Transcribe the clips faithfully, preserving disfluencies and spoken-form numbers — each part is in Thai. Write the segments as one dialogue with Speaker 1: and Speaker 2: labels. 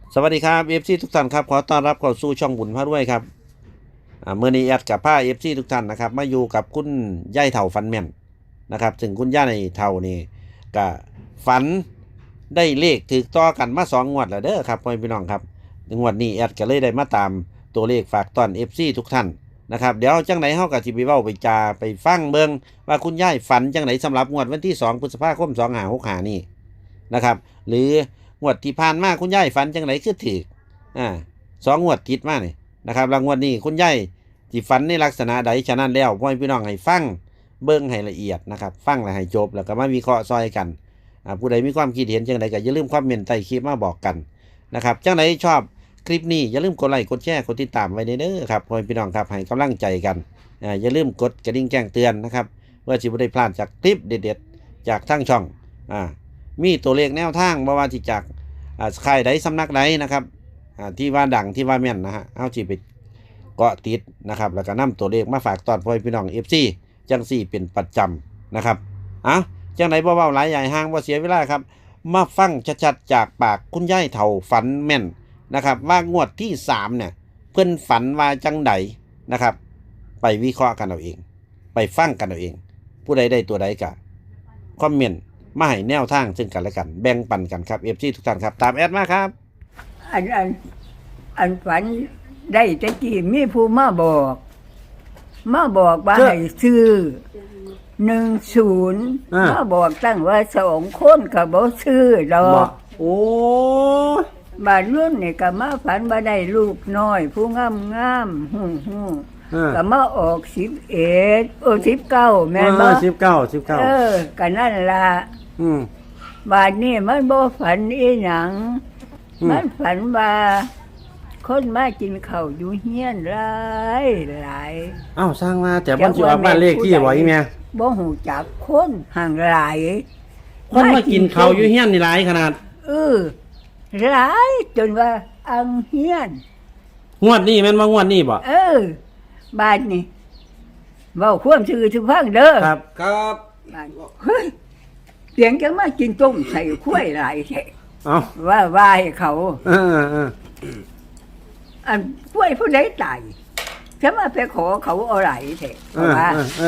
Speaker 1: สวัสดีครับเอฟซีทุกท่านครับขอต้อนรับเข้าสู่ช่องบุญพระรวยครับเมื่อนี้แอดกับผ้าเอฟซีทุกท่านนะครับมาอยู่กับคุณย่ายเถ่าฟันแม่นนะครับถึงคุณย่าในเถ่านี่ก็ฝันได้เลขถือต่อกันมาสองงวดแล้วเด้อครับพ่อพี่น้องครับงวดนี้แอดก็เลยได้มาตามตัวเลขฝากตอนเอฟซีทุกท่านนะครับเดี๋ยวจังไหนเฮากับสิไปเว้าไปจาไปฟังเบิ่งว่าคุณย่ายฝันจังไหนสำหรับงวดวันที่สองพฤษภาคมสองห้าหกห้านี่นะครับหรืองวดที่ผ่านมาคุณย่ายฝันจังไหนคือถืออ่าสองงวดติดมานี่นะครับรางวัลนี้คุณย่ายที่ฝันในลักษณะใดฉะนั้นแล้วพ่อพี่น้องให้ฟังเบิ่งให้ละเอียดนะครับฟังแล้วให้จบแล้วก็มาวิเคราะห์ซอยกันอ่าผู้ใดมีความคิดเห็นจังไดก็อย่าลืมคอมเมนต์ใต้คลิปมาบอกกันนะครับจังไดชอบคลิปนี้อย่าลืมกดไลค์กดแชร์กดติดตามไว้เด้อครับพ่อพี่น้องครับให้กำลังใจกันอ่าอย่าลืมกดกระดิ่งแจ้งเตือนนะครับเพื่อจะไม่ได้พลาดจากคลิปเด็ดๆจากทั้งช่องอ่ามีตัวเลขแนวทางบ่ว่าที่จากอ่าค่ายใดสำนักใดนะครับอ่าที่ว่าดังที่ว่าแม่นนะฮะเอาจีไปเกาะติดนะครับแล้วก็นำตัวเลขมาฝากตอนพ่อพี่น้อง เอฟ ซี จังสี่เป็นประจำนะครับอ่ะจังไหนบ่เว้าหลายใหญ่ห้างบ่เสียเวลาครับมาฟังชัดๆจากปากคุณย่ายเฒ่าฝันแม่นนะครับว่างวดที่สามเนี่ยเพิ่นฝันว่าจังใดนะครับไปวิเคราะห์กันเอาเองไปฟังกันเอาเองผู้ใดได้ตัวใดก็คอมเมนต์มาให้แนวทางซึ่งกันและกันแบ่งปันกันครับ เอฟ ซี ทุกท่านครับตามแอดมาครับ
Speaker 2: อันอันอันฝันได้ตะกี้มีผู้มาบอกมาบอกว่าให้ซื้อหนึ่งศูนย์มาบอกตั้งว่าสองคนกับบ่ซื้อดอก
Speaker 1: โอ้
Speaker 2: บาดรุ่นนี่ก็มาฝันว่าได้ลูกน้อยผู้งามงามหูหูก็มาออกสิบเอ็ดโอ้สิบเก้าแม่นบ่
Speaker 1: สิบเก้าสิบเก้า
Speaker 2: เออก็นั่นล่ะบาดนี้มันบ่ฝันอีหยังมันฝันว่าคนมากินข้าวอยู่เฮียนหลายหลาย
Speaker 1: อ้าวสร้างมาแต่บ่สิออกบ้านเลขที่บ่อีแม่
Speaker 2: บ่ฮู้จักคนห่างหลาย
Speaker 1: คนมากินข้าวอยู่เฮียนนี่หลายขนาด
Speaker 2: เออหลายจนว่าอังเฮียน
Speaker 1: งวดนี้แม่นว่างวดนี้บ่
Speaker 2: เออบ้านนี่เว้าความซื่อสุฟังเด้อ
Speaker 1: ครับครับ
Speaker 2: เฮ้ยเสียงจังมากินต้มใส่ข้วยหลายแท้
Speaker 1: เอ้า
Speaker 2: ว่าว่าให้เขา
Speaker 1: เออ
Speaker 2: ๆอันข้วยผู้ใดตายจะมาไปขอเขาเอาไหลแท้ว่า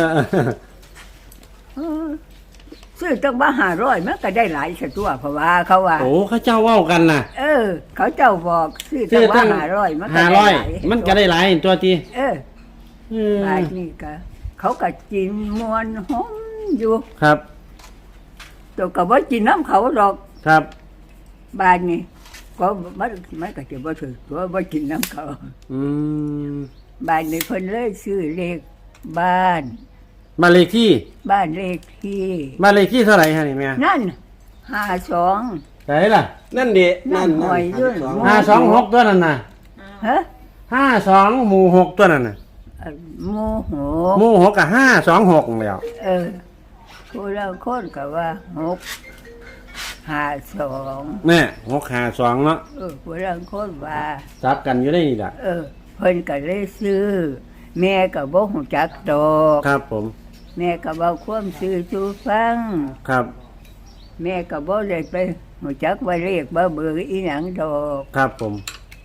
Speaker 2: เออซื้อตั้งว่าห้าร้อยมันก็ได้หลายซะตัวเพราะว่าเขาว่า
Speaker 1: โอ้เขาเจ้าเว้ากันน่ะ
Speaker 2: เออเขาเจ้าบอกซื้อตั้งว่าห้าร้อยมันก็ได้หลาย
Speaker 1: มันก็ได้หลายตัวที
Speaker 2: เออหลายนี่ก็เขาก็กินมวนหอมอยู่
Speaker 1: ครับ
Speaker 2: ตัวก็บ่กินน้ำเขาดอก
Speaker 1: ครับ
Speaker 2: บ้านนี่ก็มันมันก็จะบ่ถือตัวบ่กินน้ำเขา
Speaker 1: อืม
Speaker 2: บ้านนี่เพิ่นเลยซื้อเลขบ้าน
Speaker 1: บ้านเลขที่
Speaker 2: บ้านเลขที่
Speaker 1: บ้านเลขที่เท่าไหร่ฮะนี่แม่
Speaker 2: นั่นห้าสอง
Speaker 1: ไหนล่ะนั่นดิ
Speaker 2: นั่นหอยด้วย
Speaker 1: ห้าสองหกตัวนั่นน่ะ
Speaker 2: ฮะ
Speaker 1: ห้าสองหมู่หกตัวนั่นน่ะ
Speaker 2: หมู่หก
Speaker 1: หมู่หกกับห้าสองหกแล้ว
Speaker 2: เออผู้เราคนก็ว่าหกห้าสอง
Speaker 1: แม่หกห้าสองเนาะ
Speaker 2: เออผู้เราคนว่า
Speaker 1: จับกันอยู่ได้นี่ล่ะ
Speaker 2: เออเพิ่นก็เลยซื้อแม่ก็บ่ฮู้จักดอก
Speaker 1: ครับผม
Speaker 2: แม่ก็เว้าความซื่อสู่ฟัง
Speaker 1: ครับ
Speaker 2: แม่ก็บ่ได้ไปฮู้จักว่าเลขบ่เบอร์อีหยังดอก
Speaker 1: ครับผม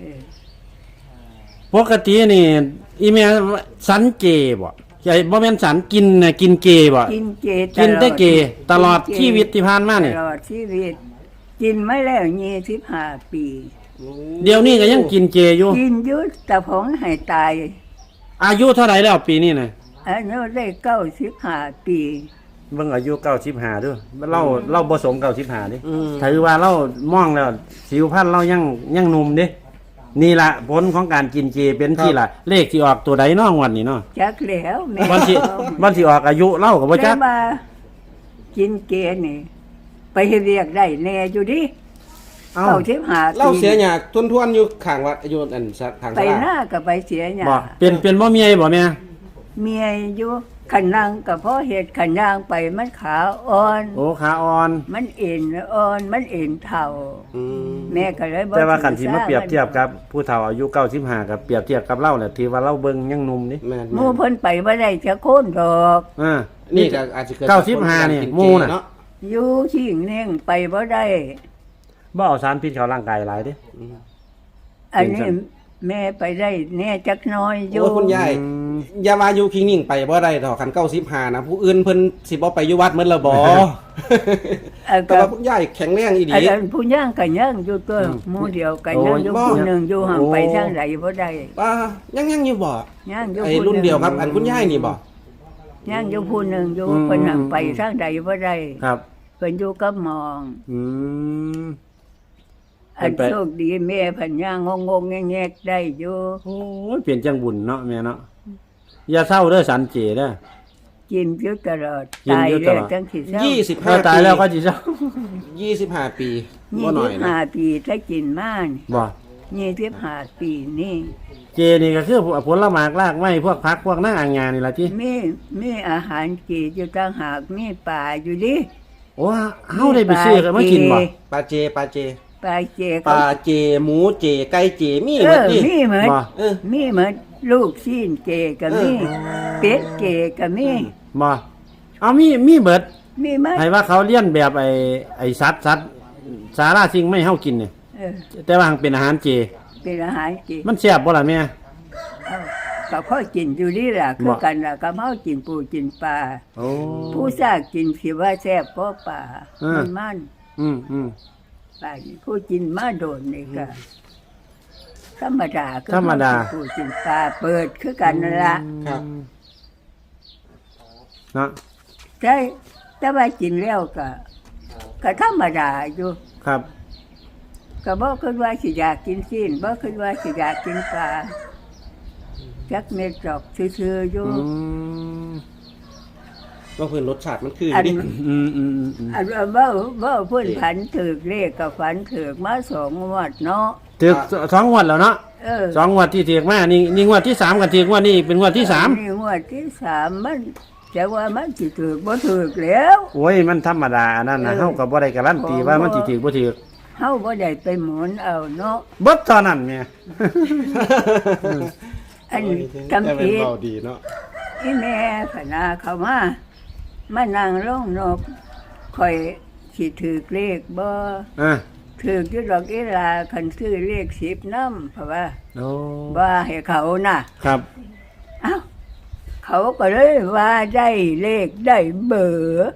Speaker 1: ปกตินี่อีแม่สันเจบ่ใช่บ่แม่นสันกินน่ะกินเจบ่
Speaker 2: กินเจ
Speaker 1: กินแต่เจตลอดชีวิตที่ผ่านมานี่
Speaker 2: ตลอดชีวิตกินมาแล้วยี่สิบห้าปี
Speaker 1: เดี๋ยวนี้ก็ยังกินเจอยู่
Speaker 2: กินอยู่แต่ผมให้ตาย
Speaker 1: อายุเท่าไหร่แล้วปีนี้น่ะ
Speaker 2: อายุได้เก้าสิบห้าปี
Speaker 1: เบิ่งอายุเก้าสิบห้าเด้อเราเราบ่สมเก้าสิบห้าดิถือว่าเรามองแล้วสิวพรรณเรายังยังหนุ่มเด้นี่ล่ะผลของการกินเจเป็นที่ล่ะเลขที่ออกตัวใดน้องวันนี้เนาะ
Speaker 2: จักแล้วแม่
Speaker 1: วันที่วันที่ออกอายุเล่าก็บ่จัก
Speaker 2: แต่ว่ากินเจนี่ไปเฮ็ดเวียกได้แน่อยู่ดิเก้าสิบห้าปี
Speaker 3: เราเสียหยาทวนๆอยู่ข้างวัดอยู่อันทาง
Speaker 2: ไปหน้าก็ไปเสียหยา
Speaker 1: บ่เป็นเป็นบ่เมียบ่แม่
Speaker 2: เมียอยู่ขันนางก็เพราะเฮ็ดขันนางไปมันขาอ่อน
Speaker 1: โอ้ขาอ่อน
Speaker 2: มันเอ็นอ่อนมันเอ็นเฒ่าแม่ก็เลยบ่
Speaker 1: แต่ว่าคันสิมาเปรียบเทียบกับผู้เฒ่าอายุเก้าสิบห้ากับเปรียบเทียบกับเราแหละที่ว่าเราเบิ่งยังหนุ่มนี่
Speaker 2: หมู่เพิ่นไปบ่ได้จักคนดอก
Speaker 1: อ่า
Speaker 3: นี่ก็อาจจะเกิด
Speaker 1: เก้าสิบห้านี่หมู่น่ะ
Speaker 2: อยู่ชิงเน่งไปบ่ได้
Speaker 1: บ่เอาสารพิษเข้าร่างกายหลายเด้
Speaker 2: อันนี้แม่ไปได้แน่จักหน้อยอยู่
Speaker 3: โอ้ยคุณยายอย่าว่าอยู่คิงนิ่งไปบ่ได้ดอกคันเก้าสิบห้านะผู้อื่นเพิ่นสิบ่ไปอยู่วัดเหมือนละบ่
Speaker 2: อัน
Speaker 3: แต่
Speaker 2: ก็
Speaker 3: ว่าคุณยายแข็งแรงอีห
Speaker 2: อัน
Speaker 3: ลี
Speaker 2: นั้นผู้ย่างก็ย่างอยู่ตัวหมู่เดียวก็ย่างอยู่
Speaker 3: โอ้ย
Speaker 2: ผู้หนึงอยู่ห่างไปทางใดบ่ได้
Speaker 3: ว่ายังยังอยู่บ่
Speaker 2: ย่างอยู่
Speaker 3: ไอ้
Speaker 2: ผู้
Speaker 3: รุ่น
Speaker 2: หง
Speaker 3: เดียวครับ อันคุณยายนี่บ่
Speaker 2: ย่างอยู่ผู้หนึงอยู่เพิ่นห่างไปทางใดบ่ได้
Speaker 1: ครับ
Speaker 2: เพิ่นอยู่กับหมอง
Speaker 1: อืม
Speaker 2: อัน
Speaker 1: เพิ่นไป
Speaker 2: โชคดีแม่เพิ่นย่างงงๆแงกๆได้อยู่
Speaker 1: โอ้ยเปลี่ยนจังบุญเนาะแม่เนาะอย่าเศร้าเด้อสันเจเด้อ
Speaker 2: กินอยู่ตลอด
Speaker 1: กิน
Speaker 2: ตาย
Speaker 1: อยู่ต
Speaker 2: แล้ว
Speaker 1: ลอด
Speaker 2: จังสิเศร้า
Speaker 3: ยี่สิบ
Speaker 1: ถ้า
Speaker 3: ห้า
Speaker 1: ตาย
Speaker 3: ปี
Speaker 1: แล้วก็สิเศร้า
Speaker 3: ยี่สิบห้าปี
Speaker 2: ยี่
Speaker 3: บ่น้อ
Speaker 2: สิ
Speaker 3: ย
Speaker 2: บ
Speaker 3: นะ
Speaker 2: ห้าปีถ้ากินมานี่
Speaker 1: บ่
Speaker 2: ยี่สิบห้าปีนี่
Speaker 1: เจนี่ก็คือผลไม้รากไม้พวกผักพวกหน้าอ่างงานนี่ล่ะติ
Speaker 2: มีมีอาหารจีนอยู่ต่างหากมีปลาอยู่ดิ
Speaker 1: โอ้เฮาได้ไปซื้อกันมากินบ่
Speaker 3: ปลาเจปลาเจ
Speaker 2: ปลาเจ
Speaker 3: ปลาเจหมูเจไก่เจมี
Speaker 2: เอ
Speaker 3: หมด
Speaker 2: อ
Speaker 3: นี่
Speaker 2: มีเหมือน
Speaker 1: บ่
Speaker 3: เออ
Speaker 2: มีเหมือนลูกชิ้นเจก็มี
Speaker 3: เออ
Speaker 2: เป็ดเจก็มี
Speaker 1: บ่เอามีมีเบิด
Speaker 2: มีไหม
Speaker 1: ให้ว่าเขาเลี้ยนแบบไอ้ไอ้สัตว์สัตว์สาราสิ่งไม่ให้เฮากินเนี่ย
Speaker 2: เออ
Speaker 1: แต่ว่าเป็นอาหารเจ
Speaker 2: เป็นอาหารจีน
Speaker 1: มันแซ่บบ่ล่ะแม่
Speaker 2: เอ้ากับพ่อกินอยู่นี่แหละคือ
Speaker 1: บ่
Speaker 2: กันล่ะกับเฮากินปูกินปลา
Speaker 1: โอ้
Speaker 2: ผู้ซากกินสิว่าแซ่บเพราะปลา
Speaker 1: เออ
Speaker 2: มันมัน
Speaker 1: อืมอืม
Speaker 2: ปลานี่ผู้กินมาโดนนี่ก็ธรรมดาคือ
Speaker 1: ธรรมดา
Speaker 2: ผู้กินปลาเปิดคือกันนั่นละ
Speaker 3: ครับ
Speaker 1: เนาะ
Speaker 2: ใช่แต่ว่ากินแล้วก็ก็ธรรมดาอยู่
Speaker 1: ครับ
Speaker 2: ก็บ่คิดว่าสิอยากกินซีนบ่คิดว่าสิอยากกินปลาจักเม็ดดอกซื่อๆอยู่
Speaker 1: อืม
Speaker 3: ว่าเพิ่นรสชาติมันคือ
Speaker 2: อัน
Speaker 3: ดิ
Speaker 1: อืมอืมอืมอืม
Speaker 2: อันว่าบ่บ่เพิ่นผันถือกเลขกับฝันถือกมาสองงวดเนาะ
Speaker 1: ถึกสองงวดแล้วเนาะ
Speaker 2: เออ
Speaker 1: สองงวดที่ถึกมานี่นี่งวดที่สามกันถึกงวดนี้เป็นงวดที่สาม
Speaker 2: นี่งวดที่สามมันแต่ว่ามันสิถือกบ่ถือกแล้ว
Speaker 1: โอ้ยมันธรรมดาอันนั้นนะ
Speaker 2: เออ
Speaker 1: เฮาก็บ่ได้การันตีว่ามันสิถึกบ่ถึก
Speaker 2: เฮาบ่ได้ไปหมุนเอาเนาะ
Speaker 1: เบิดเท่านั้นแม่
Speaker 2: อัน
Speaker 3: แต่เป็น
Speaker 2: จำผิด
Speaker 3: เบาดีเนาะ
Speaker 2: อีแม่พนาเข้ามามานั่งลงนกคอยสิถือกเลขบ่
Speaker 1: อ่ะ
Speaker 2: ถือกอยู่ดอกอีลาคันซื้อเลขสิบนำเพราะว่า
Speaker 1: โอ้
Speaker 2: ว่าให้เขาน่ะ
Speaker 1: ครับ
Speaker 2: เอ้าเขาก็เลยว่าได้เลขได้เบอร์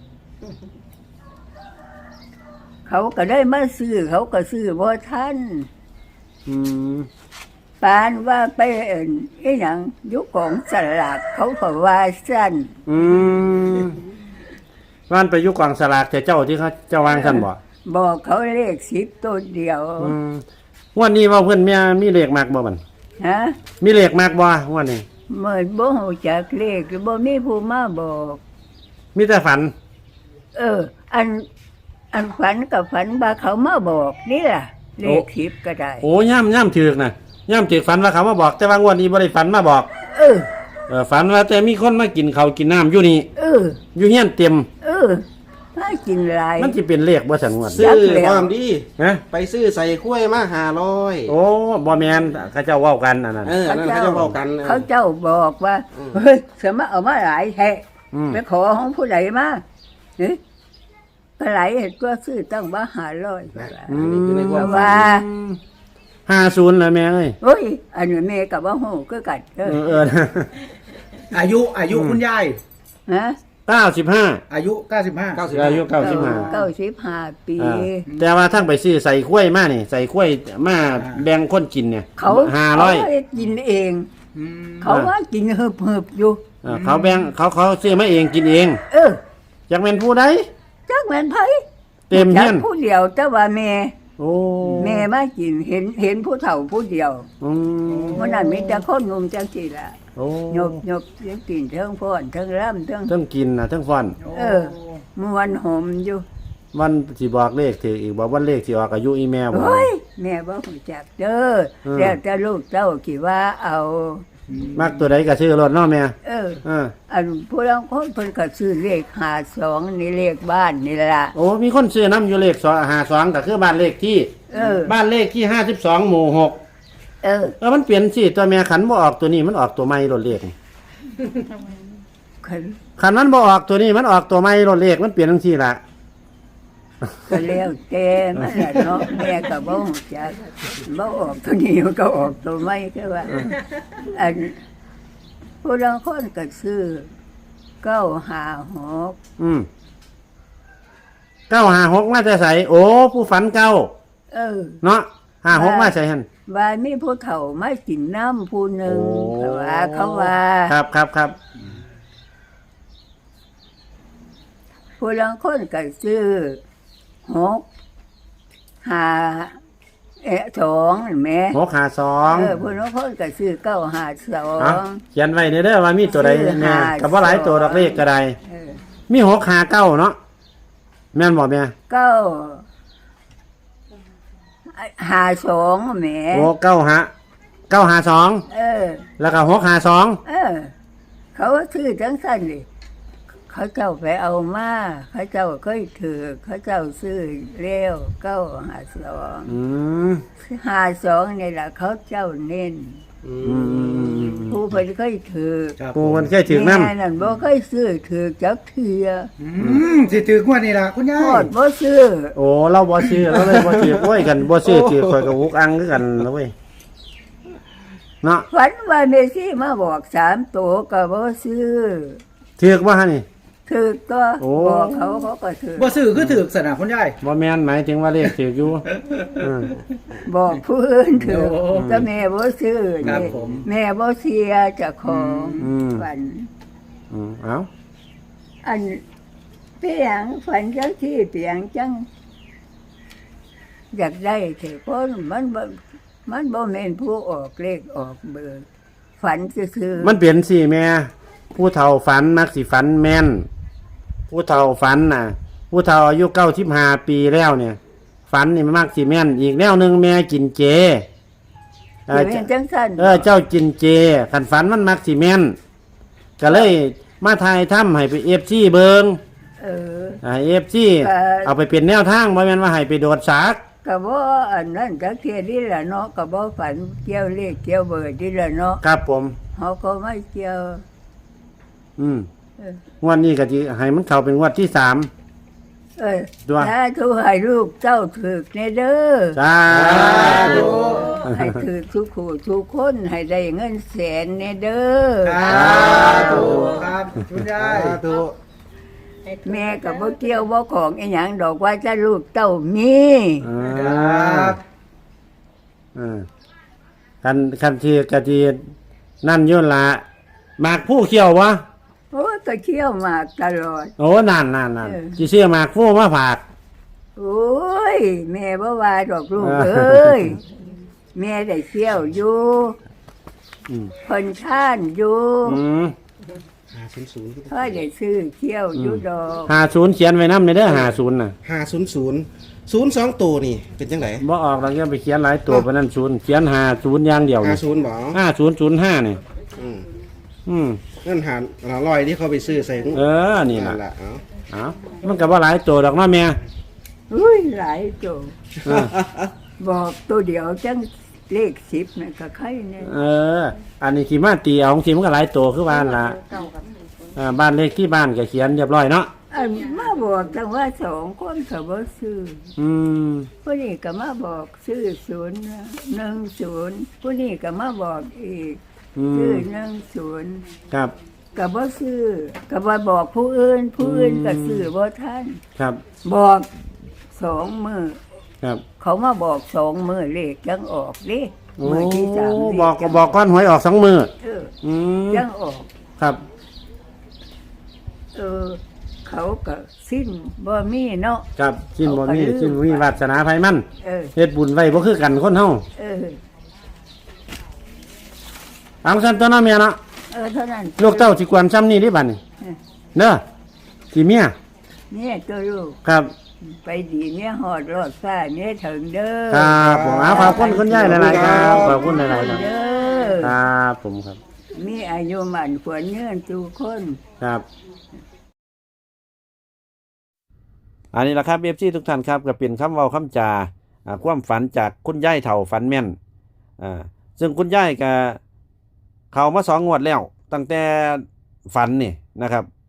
Speaker 2: เขาก็ได้มาซื้อเขาก็ซื้อบ่ทัน
Speaker 1: อืม
Speaker 2: ปานว่าไปเอิ้นอีหยังอยู่ของสลากเขาก็ว่าสั้น
Speaker 1: อืมว่านไปอยู่กองสลากแต่เจ้าที่เขาเจ้าวางซั่นบ่
Speaker 2: บอกเขาเลขสิบตัวเดียว
Speaker 1: อืมงวันนี้ว่าเพิ่นมีมีเลขมากบ่บัด
Speaker 2: ฮะ
Speaker 1: มีเลขมากบ่งวันนี้
Speaker 2: เมื่อบ่ฮู้จักเลขหรือบ่มีผู้มาบอก
Speaker 1: มีแต่ฝัน
Speaker 2: เออ อันอันฝันกับฝันว่าเขามาบอกนี่ล่ะ เลขสิบก็ได้
Speaker 1: โอ้ย่ำย่ำถึกน่ะย่ำถึกฝันว่าเขามาบอก แต่ว่างวดนี้บ่ได้ฝันมาบอก
Speaker 2: เออ
Speaker 1: เออฝันว่าแต่มีคนมากินข้าวกินน้ำอยู่นี่
Speaker 2: เออ
Speaker 1: อยู่เฮียนเต็ม
Speaker 2: เออมากินหลาย
Speaker 1: มันสิเป็นเลขบ่สันงวด
Speaker 3: ซื้อ
Speaker 2: จักแล้ว
Speaker 3: ความดี
Speaker 1: ฮะ
Speaker 3: ไปซื้อใส่ถ้วยมาห้าร้อย
Speaker 1: โอ้บ่แม่นเขาเจ้าเว้ากันอันนั้น
Speaker 3: เอออันนั้นเขาจะบอกกันเออ
Speaker 2: เขาเจ้าบอกว่า
Speaker 3: อืม
Speaker 2: เฮ้ยสมะเอามาหลายแท้
Speaker 1: อืม
Speaker 2: ไปขอของผู้ใดมาเอ๊ะก็หลายเห็นก็ซื้อตั้งว่าหาร้อย
Speaker 3: นะอันนี้คือในความ
Speaker 2: ว่า
Speaker 1: ห้าศูนย์แล้วแม่เอ้ย
Speaker 2: โอ้ย อันนี้แม่กับว่าโหก็กัดเอ
Speaker 1: เอ
Speaker 2: อ
Speaker 1: อเออ
Speaker 4: อายุอายุคุณยาย
Speaker 2: ฮะ
Speaker 1: เก้าสิบห้า
Speaker 4: อายุเก้าสิบห้า
Speaker 3: เก้าสิบ
Speaker 1: อายุเก้าสิบห้า
Speaker 2: เก้าสิบห้าปี
Speaker 1: อ่าแต่ว่าทั้งไปซื้อใส่กล้วยมานี่ใส่กล้วยมาแบ่งคนกินเนี่ย
Speaker 2: เขา
Speaker 1: ห้าร้อย
Speaker 2: เขกินเอง เขาว่ากินเหืบเหืบๆอยู่
Speaker 1: เออเขาแบ่งเขาเขาซื้อมาเองกินเอง
Speaker 2: เออ
Speaker 1: อยากเป็นผู้ใด
Speaker 2: จักแม่นไผ
Speaker 1: เต็มเฮียน
Speaker 2: จักผู้เดียวแต่ว่าแม่
Speaker 1: โอ้
Speaker 2: แม่มากินเห็นเห็นผู้เฒ่าผู้เดียว
Speaker 1: อืม
Speaker 2: วันนั้นมีแต่คนงมจังซี่ล่ะ
Speaker 1: โอ้
Speaker 2: หยบหยบเสียงกินเทิงฟ้อนเทิงร่ำเทิง
Speaker 1: ทั้งกินนะทั้งฟัน
Speaker 2: เออมวนหอมอยู่
Speaker 1: วันสิบอกเลขถืออีกบอกวันเลขสิออกอายุอีแม่บอก
Speaker 2: เฮ้ยแม่บ่รู้จักเด้อ
Speaker 1: เออ
Speaker 2: แล้วแต่ลูกเจ้าคิดว่าเอา
Speaker 1: มักตัวใดก็ซื้อรถเนาะแม่
Speaker 2: เออ
Speaker 1: เออ
Speaker 2: อันผู้ลางคนเพิ่นก็ซื้อเลขห้าสองนี่เลขบ้านนี่ล่ะ
Speaker 1: โอ้มีคนซื้อน้ำอยู่เลขสองหาสองก็คือบ้านเลขที่
Speaker 2: เออ
Speaker 1: บ้านเลขที่ห้าสิบสองหมู่หก
Speaker 2: เออ
Speaker 1: เออมันเปลี่ยนสิตัวแม่ขันบ่ออกตัวนี้มันออกตัวไม่รถเลข
Speaker 2: คัน
Speaker 1: ขันมันบ่ออกตัวนี้มันออกตัวไม่รถเลขมันเปลี่ยนทั้งที่ละ
Speaker 2: ก็แล้วแต่มันล่ะเนาะแม่ก็บ่ฮู้จักบ่ออกตัวนี้มันก็ออกตัวใหม่ก็ว่าอันผู้ลางคนก็ซื้อเก้าห้าหก
Speaker 1: อืมเก้าหาหกมาจะใส่โอ้ผู้ฝันเก้า
Speaker 2: เออ
Speaker 1: เนาะหาหกมาใส่หัน
Speaker 2: ว่ามีผู้เฒ่ามากินน้ำผู้หนึ่ง
Speaker 1: โอ้
Speaker 2: เขาว่าเขาว่า
Speaker 1: ครับครับครับ
Speaker 2: ผู้ลางคนก็ซื้อหกห้าเอะสองเห็นไหม
Speaker 1: หกหาสอง
Speaker 2: เออผู้ลางคนก็ซื้อเก้าห้าสอ
Speaker 1: เอา
Speaker 2: ง
Speaker 1: เขียนไว้เด้อเด้อว่ามีตัวใด
Speaker 2: ซื้อ
Speaker 1: แน่
Speaker 2: หา
Speaker 1: กับว่าหลายตัวดอกเลขก็ได้
Speaker 2: เออ
Speaker 1: มีหกหาเก้าเนาะแม่นบอกแม่
Speaker 2: เก้าห้าสองแหม
Speaker 1: โอ้เก้าหาเก้าหาสอง
Speaker 2: เออ
Speaker 1: แล้วก็หกหาสอง
Speaker 2: เออ เขาซื้อจังสั้นเลยเขาเจ้าไปเอามาเขาเจ้าเคยถือเขาเจ้าซื้อเร็วเก้าห้าสอง
Speaker 1: อืม
Speaker 2: ห้าสองนี่แหละเขาเจ้าเน้น
Speaker 3: อื
Speaker 1: อืมอืม
Speaker 3: ม
Speaker 1: อืม
Speaker 2: ผู้เพิ่นเคยถือ
Speaker 4: ครับ
Speaker 1: ปูมันแค่ถึงนั่น
Speaker 2: แม่นั่นบ่เคยซื้อถือจักเทื่อ
Speaker 4: อืมสิถือกว่านี่ล่ะคุณยา
Speaker 2: โค
Speaker 4: ย
Speaker 2: ตรบ่ซื้อ
Speaker 1: โอ้เราบ่ซื้อเราเลยบ่ซื้อโอ้ยกันบ่ซื้อถือคอยกับวุกอังคือกันแล้วเว้ยเนาะ
Speaker 2: ฝันว่าเมซี่มาบอกสามตัวก็บ่ซื้อ
Speaker 1: ถือกว่าฮะนี่
Speaker 2: ถือตัว
Speaker 1: โอ้
Speaker 2: บอกเขาเขาก็ถือ
Speaker 4: บ่ซื้อคือถือกสนะคุณยาย
Speaker 1: บ่แม่นหมายถึงว่าเลขถือกอยู่อืม
Speaker 2: บอกผู้อื่นถือ
Speaker 4: โอ้
Speaker 2: แต่แม่บ่ซื้อ
Speaker 4: ครับ
Speaker 2: นี่
Speaker 4: ผม
Speaker 2: แม่บ่เสียเจ้าของ
Speaker 1: อืม
Speaker 2: ฝัน
Speaker 1: อืมเอา
Speaker 2: อันเปียงฝันจังที่เปียงจังอยากได้เถอะเพราะมันบ่มันบ่แม่นผู้ออกเลขออกเบอร์ฝันซื่อๆ
Speaker 1: มันเปลี่ยนสิแม่ผู้เฒ่าฝันมักสิฝันแม่น ผู้เฒ่าฝันน่ะ ผู้เฒ่าอายุเก้าสิบห้าปีแล้วเนี่ย ฝันนี่มันมักสิแม่น อีกแนวหนึงแม่กินเจเออ
Speaker 2: สิเป็นจังซั่น
Speaker 1: เออเจ้ากินเจขันฝันมันมักสิแม่น ก็เลยมาทายถ้ำให้ไปเอฟซีเบิง
Speaker 2: เออ
Speaker 1: เอฟซี
Speaker 2: เอ่อ
Speaker 1: เอาไปเป็นแนวทางบ่แม่นว่าให้ไปโดดสาก
Speaker 2: ก็บ่อันนั้นจักเที่ยนี่ล่ะเนาะก็บ่ฝันเกี่ยวเลขเกี่ยวเบอร์นี่ล่ะเนาะ
Speaker 1: ครับผม
Speaker 2: เฮาก็ไม่เกี่ยว
Speaker 1: อืม
Speaker 2: เออ
Speaker 1: งวดนี้ก็สิให้มันเข้าเป็นงวดที่สาม
Speaker 2: เอ้ย
Speaker 1: ด้วย
Speaker 2: ถ้าทุให้ลูกเจ้าถึกแน่เด้อ
Speaker 1: สาธุ
Speaker 2: ให้ถือทุกคู่ทุกคนให้ได้เงินแสนแน่เด้อ
Speaker 4: ครับครับคุณยาย
Speaker 3: สาธุ
Speaker 2: แม่ก็บ่เกี่ยวบ่ของอีหยังดอกว่าจะลูกเต้ามี
Speaker 1: อ่
Speaker 4: ครา ับ
Speaker 1: อ่าคันคันที่กะทีนั่นอยุ่นละหมากผู้เขียววะ
Speaker 2: โอ้ยก็เที่ยวมากตลอด
Speaker 1: โอ้นานนานนาน
Speaker 2: เออ
Speaker 1: จีเชื่อหมากผู้มาผาก
Speaker 2: โอ้ยแม่บ่ว่าดอกลูก
Speaker 1: เออ
Speaker 2: เอ้ยแม่ได้เที่ยวอยู่
Speaker 1: อืม
Speaker 2: เพิ่นท่านอยู่
Speaker 1: อืม
Speaker 3: ห้าศูนย์ศูนย์
Speaker 2: ค่อยได้ซื้อเที่ยวอยู่ดอก
Speaker 1: หาศูนย์เขียนไว้น้ำในเด้อหาศูนย์น่ะ
Speaker 3: ห้าศูนย์ศูนย์ศูนย์สองตัวนี่เป็นจังได
Speaker 1: บ่ออกเราจะไปเขียนหลายตัวไปนั่นศูนย์เขียนหาศูนย์อย่างเดียว
Speaker 3: ห้าศูนย์บ่
Speaker 1: ห้าศูนย์ศูนย์ห้าเนี่ย
Speaker 3: อืม
Speaker 1: อืม
Speaker 3: เงินหาหาลอยที่เขาไปซื้อใส่ถุง
Speaker 1: เออนี่
Speaker 3: นั่
Speaker 1: ล่ะ
Speaker 3: นล่ะเอ้า
Speaker 1: เอามันก็บ่หลายตัวดอกเนาะแม่
Speaker 2: อุ้ยหลายโจ
Speaker 1: เออ
Speaker 2: บอกตัวเดียวจังเลขสิบน่ะก็ใครเนี่ย
Speaker 1: เออ อันนี้ขี่มาตีเอาของทีมันก็หลายตัวคือบ้านละอ่าบ้านเลขที่บ้านก็เขียนเรียบร้อยเนาะ
Speaker 2: อันมาบอกแต่ว่าสองคนก็บ่ซื้อ
Speaker 1: อืม
Speaker 2: ผู้นี้ก็มาบอกซื้อศูนย์หนึ่งศูนย์ผู้นี้ก็มาบอกอีก
Speaker 1: อื
Speaker 2: ซื้อ
Speaker 1: ม
Speaker 2: หนึ่งศูนย์
Speaker 1: ครับ
Speaker 2: ก็บ่ซื้อก็บ่บอกผู้อื่น ผู้อื่นก็ซื้อบ่ทัน
Speaker 1: ครับ
Speaker 2: บอกสองมือ
Speaker 1: ครับ
Speaker 2: เขามาบอกสองมือเลขยังออกเด้
Speaker 1: โอ้
Speaker 2: มือที่สามเลข
Speaker 1: บอก
Speaker 2: ยัง
Speaker 1: บอกก้อนหวยออกสองมือ
Speaker 2: เออ
Speaker 1: อืม
Speaker 2: ยังออก
Speaker 1: ครับ
Speaker 2: เออ เขาก็สิ้นบ่มีเนาะ
Speaker 1: ครับกินบ่มี
Speaker 2: เอาไปลืม
Speaker 1: กินบ่มีวาสนาภัยมัน
Speaker 2: เออ
Speaker 1: เฮ็ดบุญไว้บ่คือกันคนเฮา
Speaker 2: เออ
Speaker 1: เอาซั่นตัวเนาะแม่เนาะ
Speaker 2: เออเท่านั้น
Speaker 1: ลูกเต้าสิกวนซ้ำนี่ดิบัดนี้
Speaker 2: เออ
Speaker 1: เด้อสิเมีย
Speaker 2: เนี่ยตัวลูก
Speaker 1: ครับ
Speaker 2: ไปดีเนี่ยหอดรอดฟ้าเนี่ยถึงเด้อ
Speaker 1: ครับผมเอาขอบคุณคุณยายหลายๆครับขอบคุณหลายๆครับ
Speaker 2: เด้อ
Speaker 1: ครับผมครับ
Speaker 2: มีอายุมันควรเงื่อนทุกคน
Speaker 1: ครับอันนี้แหละครับเอฟซีทุกท่านครับก็เป็นคำเว้าคำจาอ่าความฝันจากคุณยายเฒ่าฝันแม่นอ่าซึ่งคุณยายก็เข้ามาสองงวดแล้ว ตั้งแต่ฝันนี่นะครับ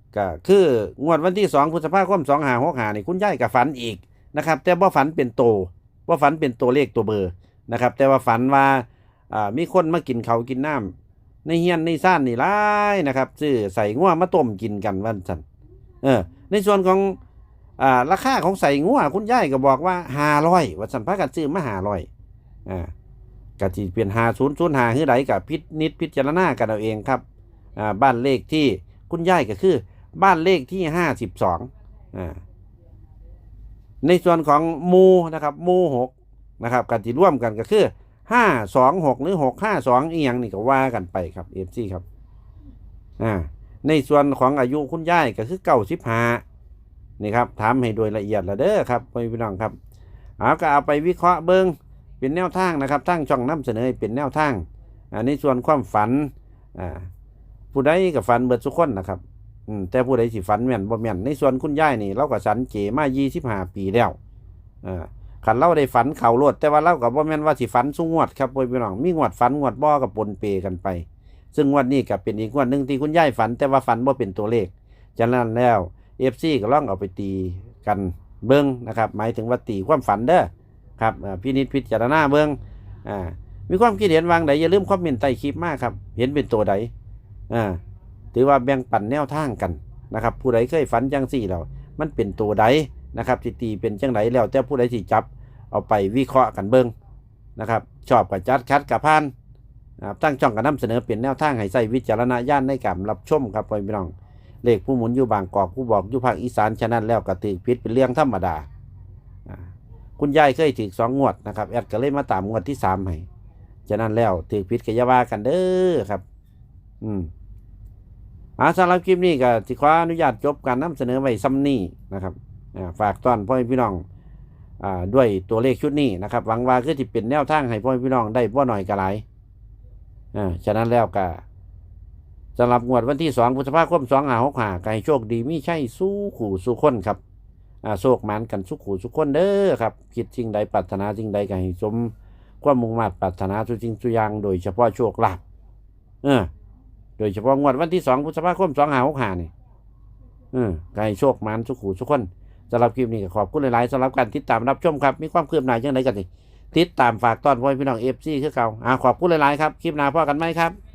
Speaker 1: ก็คืองวดวันที่สองพฤษภาคมสองห้าหกห้านี่คุณยายก็ฝันอีกนะครับ แต่บ่ฝันเป็นโตบ่ฝันเป็นตัวเลขตัวเบอร์นะครับ แต่ว่าฝันว่าอ่ามีคนมากินเขาวกินน้ำในเฮียนในซ่านนี่หลายนะครับซื้อใส่งัวมาต้มกินกันวันซั่นเออในส่วนของอ่าราคาของใส่งัวคุณยายก็บอกว่าห้าร้อยว่าซั่นพากันซื้อมาห้าร้อยอ่าก็สิเป็นห้าศูนย์ศูนย์ห้าคือใดก็พินิจพิจารณากันเอาเองครับอ่าบ้านเลขที่คุณยายก็คือบ้านเลขที่ห้าสิบสองอ่าในส่วนของหมู่นะครับหมู่หกนะครับกันที่ร่วมกันก็คือห้าสองหกหรือหกห้าสองอีหยังนี่ก็ว่ากันไปครับเอฟซีครับอ่าในส่วนของอายุคุณยายก็คือเก้าสิบห้านี่ครับถามให้โดยละเอียดละเด้อครับพี่น้องครับเอาก็เอาไปวิเคราะห์เบิ้งเป็นแนวทางนะครับทั้งช่องนำเสนอเป็นแนวทางอ่าในส่วนความฝันอ่าผู้ใดกับฝันเบิดทุกคนนะครับอืมแต่ผู้ใดสิฝันแม่นบ่แม่นในส่วนคุณยายนี่เราก็สันเจมายี่สิบห้าปีแล้วอ่าขันเราได้ฝันเข่าโลดแต่ว่าเรากับบ่แม่นว่าสิฝันสู้งวดครับพี่น้องมีงวดฝันงวดบ่กับปนเปกันไปซึ่งงวดนี้ก็เป็นอีกงวดหนึ่งที่คุณยายฝันแต่ว่าฝันบ่เป็นตัวเลขฉะนั้นแล้ว เอฟ ซี ก็ลองเอาไปตีกันเบิ้งนะครับหมายถึงว่าตีความฝันเด้อครับอ่าพินิจพิจารณาเบิ้งอ่ามีความคิดเห็นวางใดอย่าลืมคอมเมนต์ใต้คลิปมากครับเห็นเป็นตัวใดอ่าถือว่าแบ่งปันแนวทางกันนะครับผู้ใดเคยฝันจังสี่แล้วมันเป็นตัวใดนะครับที่ตีเป็นจังไดแล้วแต่ผู้ใดที่จับเอาไปวิเคราะห์กันเบิ้งนะครับชอบกับจัดคัดกับพานตั้งช่องกันนำเสนอเป็นแนวทางให้ใส่วิจารณญาณในการรับชมครับพี่น้องเลขผู้หมุนอยู่บางกอกผู้บอกอยู่ภาคอีสานฉะนั้นแล้วก็ถือพิษเป็นเรื่องธรรมดาคุณยายเคยถือสองงวดนะครับแอดก็เลยมาตามงวดที่สามให้ฉะนั้นแล้วถือพิษกับยาว่ากันเด้อครับอืมอาสำหรับคลิปนี้ก็สิขออนุญาตจบการนำเสนอไว้ซ้ำนี้นะครับฝากต้อนพ่อพี่น้องอ่าด้วยตัวเลขชุดนี้นะครับหวังว่าคือที่เป็นแนวทางให้พ่อพี่น้องได้บ่หน่อยก็หลายอ่าฉะนั้นแล้วก็สำหรับงวดวันที่สองพฤษภาคมสองห้าหกห้าก็ให้โชคดีมิใช่สู้ขู่สู้คนครับอ่าโชคหมานกันสู้ขู่สู้คนเด้อครับคิดสิ่งใดปรารถนาสิ่งใดก็ให้สมความมุ่งมั่นปรารถนาทุกสิ่งทุกอย่างโดยเฉพาะโชคลาภเออโดยเฉพาะงวดวันที่สองพฤษภาคมสองห้าหกห้านี่เออก็ให้โชคหมานสู้ขู่สู้คนสำหรับคลิปนี้ก็ขอบคุณหลายๆสำหรับการติดตามรับชมครับมีความคืบหน้าอย่างไรกันสิติดตามฝากต้อนพ่อพี่น้องเอฟซีคือเก่าอ่าขอบคุณหลายๆครับคลิปหน้าพ่อกันไหมครับ